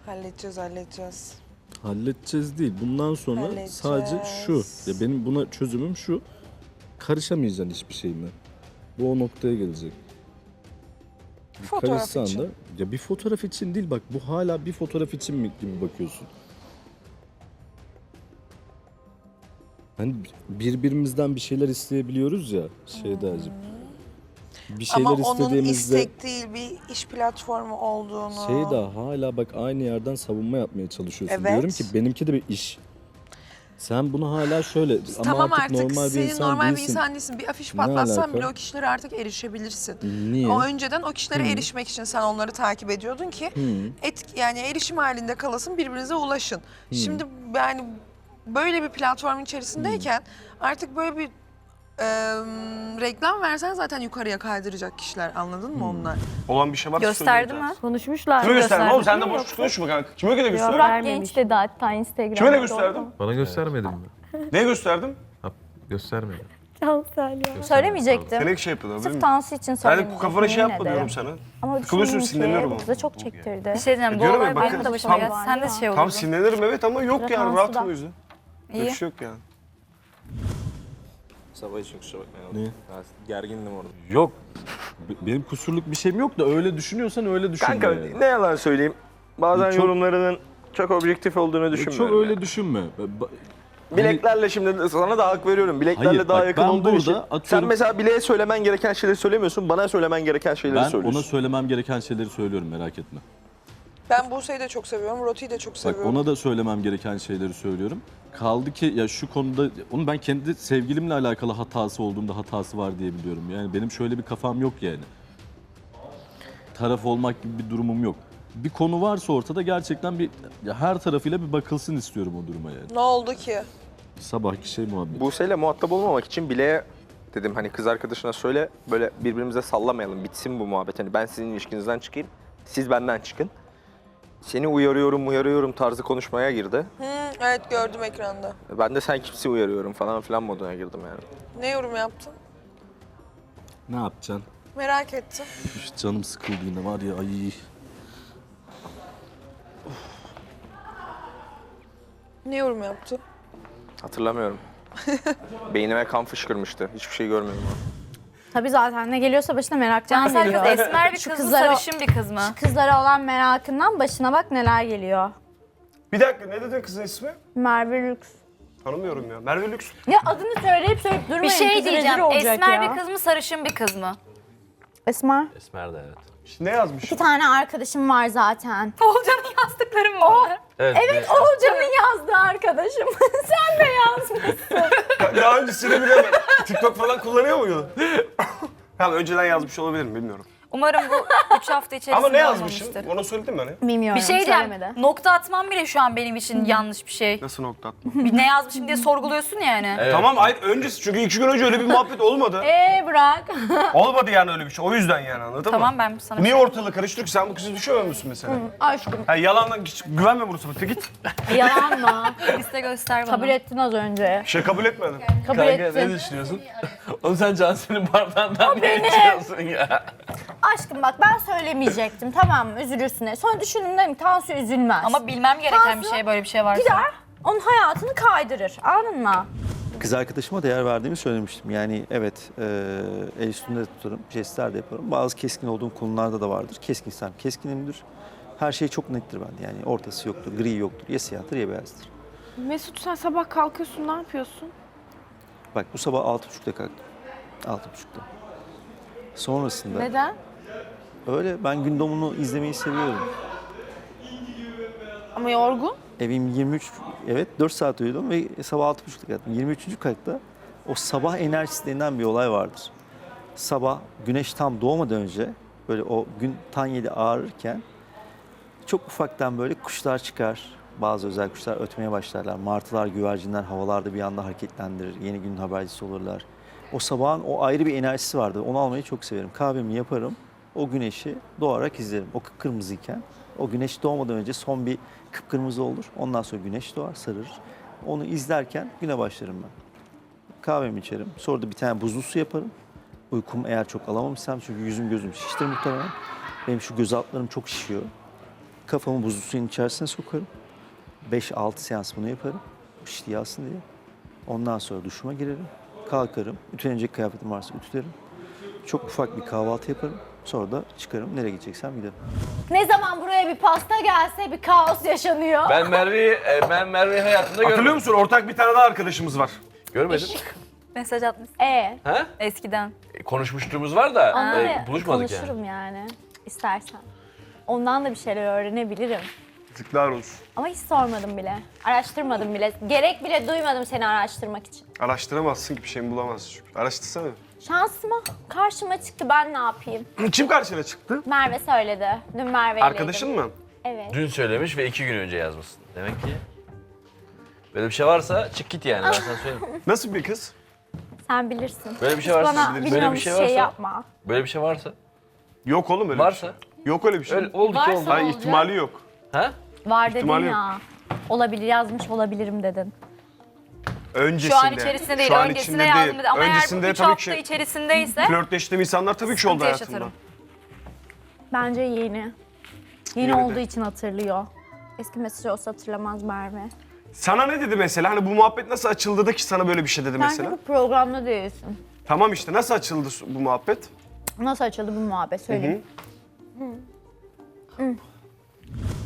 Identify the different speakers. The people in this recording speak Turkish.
Speaker 1: Halledeceğiz.
Speaker 2: Halledeceğiz değil. Bundan sonra sadece şu. Ya benim buna çözümüm şu. Karışamayacaksın hiçbir şeyime. Bu o noktaya gelecek.
Speaker 1: Fotoğraf
Speaker 2: Karışsan
Speaker 1: için.
Speaker 2: da ya bir fotoğraf için değil bak bu hala bir fotoğraf için mi gibi bakıyorsun. Hani birbirimizden bir şeyler isteyebiliyoruz ya Şeydacığım. Bir şeyler
Speaker 1: Ama onun
Speaker 2: istediğimizde
Speaker 1: istek değil bir iş platformu olduğunu.
Speaker 2: Şeyda hala bak aynı yerden savunma yapmaya çalışıyorsun.
Speaker 1: Evet.
Speaker 2: Diyorum ki benimki de bir iş. Sen bunu hala şöyle
Speaker 1: Tamam
Speaker 2: ama artık normal bir
Speaker 1: senin
Speaker 2: insan
Speaker 1: normal bir
Speaker 2: değilsin.
Speaker 1: insan değilsin. Bir afiş
Speaker 2: Ne
Speaker 1: patlatsan
Speaker 2: alaka?
Speaker 1: bile o kişilere artık erişebilirsin.
Speaker 2: Niye?
Speaker 1: O önceden o kişilere erişmek için sen onları takip ediyordun ki yani erişim halinde kalasın birbirinize ulaşın. Şimdi yani böyle bir platformun içerisindeyken artık böyle bir reklam versen zaten yukarıya kaydıracak kişiler anladın mı onlar?
Speaker 3: Olan bir şey varsa
Speaker 4: Gösterdi
Speaker 3: söyleyin
Speaker 4: mi?
Speaker 5: Konuşmuşlar.
Speaker 3: Kime gösterdin oğlum? Sen de
Speaker 5: Gösterdi
Speaker 3: boş
Speaker 5: mi
Speaker 3: konuşma kanka. Kime gösterdim?
Speaker 5: yoksa?
Speaker 3: Göster.
Speaker 5: Burak Genç dedi hatta Instagram'da.
Speaker 3: Kime ne gösterdim?
Speaker 6: Bana göstermedin mi?
Speaker 3: Neye gösterdim?
Speaker 6: Ha, göstermedim.
Speaker 5: Cansel ya.
Speaker 4: Söylemeyecektim.
Speaker 3: Sen şey yapıyordun değil
Speaker 4: Sırf
Speaker 3: mi?
Speaker 4: Tansu için
Speaker 3: Ben
Speaker 4: söylemeyecektim.
Speaker 3: de kafana şey
Speaker 4: yemin
Speaker 3: yapma
Speaker 4: ederim.
Speaker 3: diyorum sana.
Speaker 4: Ama
Speaker 3: Sıkılıyorsun,
Speaker 4: düşündüm ki
Speaker 3: sinirlenirim
Speaker 4: bu
Speaker 3: ama.
Speaker 4: kıza çok çektirdi. Bir şey diyeceğim. Bu
Speaker 3: Diyorum ya,
Speaker 4: olay
Speaker 3: bakın,
Speaker 4: benim de başıma
Speaker 3: tam-
Speaker 4: geldi. Sen de şey
Speaker 3: Tam
Speaker 4: olurdun.
Speaker 3: sinirlenirim evet ama yok yani
Speaker 4: Frekansı
Speaker 3: rahatım
Speaker 4: da.
Speaker 3: o yüzden. Böyle bir
Speaker 4: İyi.
Speaker 3: şey yok yani.
Speaker 7: Sabah için kusura bakmayın.
Speaker 2: Ne?
Speaker 7: Ya, gergindim orada.
Speaker 2: Yok. Benim kusurluk bir şeyim yok da öyle düşünüyorsan öyle düşünme.
Speaker 7: Kanka
Speaker 2: yani.
Speaker 7: ne yalan söyleyeyim. Bazen
Speaker 2: Çok-
Speaker 7: yorumlarının çok objektif olduğunu düşünmüyorum.
Speaker 2: Çok öyle
Speaker 7: yani.
Speaker 2: düşünme.
Speaker 7: Bileklerle şimdi sana da hak veriyorum. Bileklerle
Speaker 2: Hayır,
Speaker 7: daha
Speaker 2: bak
Speaker 7: yakın
Speaker 2: ben
Speaker 7: olduğu
Speaker 2: burada
Speaker 7: için.
Speaker 2: atıyorum-
Speaker 7: Sen mesela bileğe söylemen gereken şeyleri söylemiyorsun. Bana söylemen gereken şeyleri
Speaker 2: Ben
Speaker 7: söylüyorsun.
Speaker 2: ona söylemem gereken şeyleri söylüyorum merak etme.
Speaker 1: Ben Buse'yi de çok seviyorum, Roti'yi de çok
Speaker 2: Bak
Speaker 1: seviyorum.
Speaker 2: ona da söylemem gereken şeyleri söylüyorum. Kaldı ki ya şu konuda onu ben kendi sevgilimle alakalı hatası olduğunda hatası var diye biliyorum. Yani benim şöyle bir kafam yok yani. Taraf olmak gibi bir durumum yok. Bir konu varsa ortada gerçekten bir ya her tarafıyla bir bakılsın istiyorum o duruma yani.
Speaker 1: Ne oldu ki?
Speaker 2: Sabahki şey muhabbet.
Speaker 7: Buse'yle muhatap olmamak için bileğe dedim hani kız arkadaşına söyle böyle birbirimize sallamayalım. Bitsin bu muhabbet. Hani ben sizin ilişkinizden çıkayım. Siz benden çıkın. Seni uyarıyorum tarzı konuşmaya girdi.
Speaker 1: Evet gördüm ekranda.
Speaker 7: Ben de sen kimse uyarıyorum falan filan moduna girdim yani.
Speaker 1: Ne yorum yaptın?
Speaker 2: Ne yapacaksın?
Speaker 1: Merak ettim.
Speaker 2: Üf, canım sıkıldı yine var ya ay.
Speaker 1: Ne yorum yaptın?
Speaker 7: Hatırlamıyorum. Beynime kan fışkırmıştı. Hiçbir şey görmüyorum.
Speaker 4: Tabii zaten ne geliyorsa başına meraktan Cansel geliyor. kız esmer bir Şu kız mı, kızlara- sarışın bir kız mı? Kızlara olan merakından başına bak neler geliyor.
Speaker 3: Bir dakika ne dedin kızın ismi?
Speaker 4: Merve Lüks.
Speaker 3: Tanımıyorum ya. Merve Lüks.
Speaker 4: Ya adını söyleyip durmayın.
Speaker 8: Bir şey
Speaker 4: kız rezil
Speaker 8: diyeceğim.
Speaker 4: olacak
Speaker 8: Esmer
Speaker 4: ya.
Speaker 8: bir kız mı, sarışın bir kız mı?
Speaker 4: Esmer.
Speaker 6: Esmer de evet.
Speaker 3: Ne yazmış?
Speaker 4: 2 tane arkadaşım var zaten.
Speaker 8: Oğulcan'ın yazdıkları mı onlar?
Speaker 6: Evet.
Speaker 4: Oğulcan'ın yazdığı arkadaşım. Sen de yazmışsın.
Speaker 3: Daha öncesini bilemem. TikTok falan kullanıyor muydu? Tamam önceden yazmış olabilirim bilmiyorum.
Speaker 8: Umarım bu 3 hafta içerisinde
Speaker 3: Ama ne yazmışım?
Speaker 8: olmamıştır.
Speaker 3: Ona söyledim mi hani?
Speaker 4: Bilmiyorum.
Speaker 8: Bir şey diyeceğim.
Speaker 4: söylemedi.
Speaker 8: Nokta atmam bile şu an benim için yanlış bir şey.
Speaker 3: Nasıl nokta atma?
Speaker 8: Bir ne yazmışım diye sorguluyorsun yani.
Speaker 6: Evet.
Speaker 3: Tamam hayır öncesi çünkü 2 gün önce öyle bir muhabbet olmadı.
Speaker 4: Bırak.
Speaker 3: Olmadı yani öyle bir şey. O yüzden yani anladın mı?
Speaker 8: Tamam ben sana...
Speaker 3: Niye ortalığı karıştırıyor ki? Sen bu kızı düşünmüyor musun mesela?
Speaker 4: Aşkım.
Speaker 3: Ha, yalandan hiç güvenme bunu sana. Git.
Speaker 4: Yalan mı?
Speaker 8: Liste göster bana.
Speaker 4: Kabul ettin az önce.
Speaker 3: Şey kabul etmedim.
Speaker 4: Kabul
Speaker 6: Kanka ne
Speaker 4: ettin.
Speaker 6: düşünüyorsun? Oğlum sen Cansel'in bardağından niye içiyorsun ya?
Speaker 4: Aşkım bak ben söylemeyecektim tamam mı üzülürsün diye. Sonra düşündüm dedim ki Tansu üzülmez.
Speaker 8: Ama bilmem gereken bir
Speaker 4: Tansu
Speaker 8: şey böyle bir şey varsa.
Speaker 4: gider onun hayatını kaydırır anladın mı?
Speaker 9: Kız arkadaşıma değer verdiğimi söylemiştim. Yani evet el üstünde de tutarım, jestler de yaparım. Bazı keskin olduğum konularda da vardır. Keskinsem keskinimdir. Her şey çok nettir bende. Yani ortası yoktur, gri yoktur. Ya siyahtır ya beyazdır.
Speaker 5: Mesut sen sabah kalkıyorsun ne yapıyorsun?
Speaker 9: Bak bu sabah 6.30'da kalktım. 6.30'da. Sonrasında
Speaker 5: Neden?
Speaker 9: öyle ben gün doğumunu izlemeyi seviyorum.
Speaker 5: Ama yorgun.
Speaker 9: Evim 23, evet 4 saat uyudum ve sabah 6.30'da kalktım. 23. katta o sabah enerjisi denilen bir olay vardır. Sabah güneş tam doğmadan önce böyle o gün tan yedi ağarırken çok ufaktan böyle kuşlar çıkar. Bazı özel kuşlar ötmeye başlarlar. Martılar, güvercinler havalarda bir anda hareketlendirir. Yeni günün habercisi olurlar. O sabahın o ayrı bir enerjisi vardır. Onu almayı çok severim. Kahvemi yaparım. O güneşi doğarak izlerim. O kıpkırmızıyken. O güneş doğmadan önce son bir kıpkırmızı olur. Ondan sonra güneş doğar, sararır. Onu izlerken güne başlarım ben. Kahvemi içerim. Sonra da bir tane buzlu su yaparım. Uykumu eğer çok alamamışsam çünkü yüzüm gözüm şiştir muhtemelen. Benim şu göz altlarım çok şişiyor. Kafamı buzlu suyun içerisine sokarım. 5-6 seans bunu yaparım. Piştiği alsın diye. Ondan sonra duşuma girerim. Kalkarım. Ütülenecek kıyafetim varsa ütülerim. Çok ufak bir kahvaltı yaparım. Sonra da çıkarım. Nereye gideceksem giderim.
Speaker 4: Ne zaman buraya bir pasta gelse bir kaos yaşanıyor.
Speaker 6: Ben Merve'yi hayatımda görmedim.
Speaker 3: Hatırlıyor musun? Ortak bir tane daha arkadaşımız var.
Speaker 6: Görmedim.
Speaker 8: Mesaj atmış
Speaker 6: Ha?
Speaker 8: eskiden.
Speaker 6: Konuşmuşluğumuz var da
Speaker 4: Onları
Speaker 6: buluşmadık yani.
Speaker 4: konuşurum yani istersen. Ondan da bir şeyler öğrenebilirim.
Speaker 3: Yazıklar olsun.
Speaker 4: Ama hiç sormadım bile. Araştırmadım bile. Gerek bile duymadım seni araştırmak için.
Speaker 3: Araştıramazsın ki bir şeyimi bulamazsın çünkü. Araştırsana.
Speaker 4: Şansıma karşıma çıktı, ben ne yapayım?
Speaker 3: Kim karşına çıktı?
Speaker 4: Merve söyledi. Dün Merve
Speaker 3: Arkadaşın mı?
Speaker 4: Evet.
Speaker 6: Dün söylemiş ve 2 gün önce yazmışsın. Demek ki böyle bir şey varsa çık git yani ben sana söyleyeyim.
Speaker 3: Nasıl bir kız?
Speaker 4: Sen bilirsin.
Speaker 6: Böyle bir şey
Speaker 4: Hiç
Speaker 6: varsa
Speaker 4: bana
Speaker 6: biliriz.
Speaker 4: bilmiyormuş
Speaker 6: Böyle bir şey varsa-
Speaker 4: yapma.
Speaker 6: Böyle bir şey varsa.
Speaker 3: Yok oğlum öyle
Speaker 6: Varsa.
Speaker 3: bir şey. Yok öyle bir şey.
Speaker 6: Öyle oldu ki
Speaker 8: Varsa
Speaker 6: oldu.
Speaker 3: Hayır ihtimali yok.
Speaker 6: Ha?
Speaker 4: Var dedin
Speaker 3: İhtimali yok.
Speaker 4: ya. Olabilir, yazmış olabilirim dedin.
Speaker 3: Öncesinde.
Speaker 8: Şu an içerisinde değil,
Speaker 3: Şu an
Speaker 8: öncesinde
Speaker 3: içinde
Speaker 8: yazdım
Speaker 3: değil.
Speaker 8: dedi. Ama
Speaker 3: Öncesinde
Speaker 8: eğer bu 3
Speaker 3: tabii
Speaker 8: hafta
Speaker 3: ki
Speaker 8: içerisindeyse
Speaker 3: flörtleştiğim insanlar tabii ki oldu
Speaker 8: sıkıntı
Speaker 3: hayatımda.
Speaker 8: yaşatırım.
Speaker 4: Bence yeni. Yeni
Speaker 3: Yeni de.
Speaker 4: olduğu için hatırlıyor. Eski mesaj olsa hatırlamaz Merve.
Speaker 3: Sana ne dedi mesela? Hani bu muhabbet nasıl açıldı da ki sana böyle bir şey dedi
Speaker 4: Sen
Speaker 3: mesela?
Speaker 4: çünkü programda değilsin.
Speaker 3: Tamam işte nasıl açıldı bu muhabbet?
Speaker 4: Nasıl açıldı bu muhabbet söyleyeyim.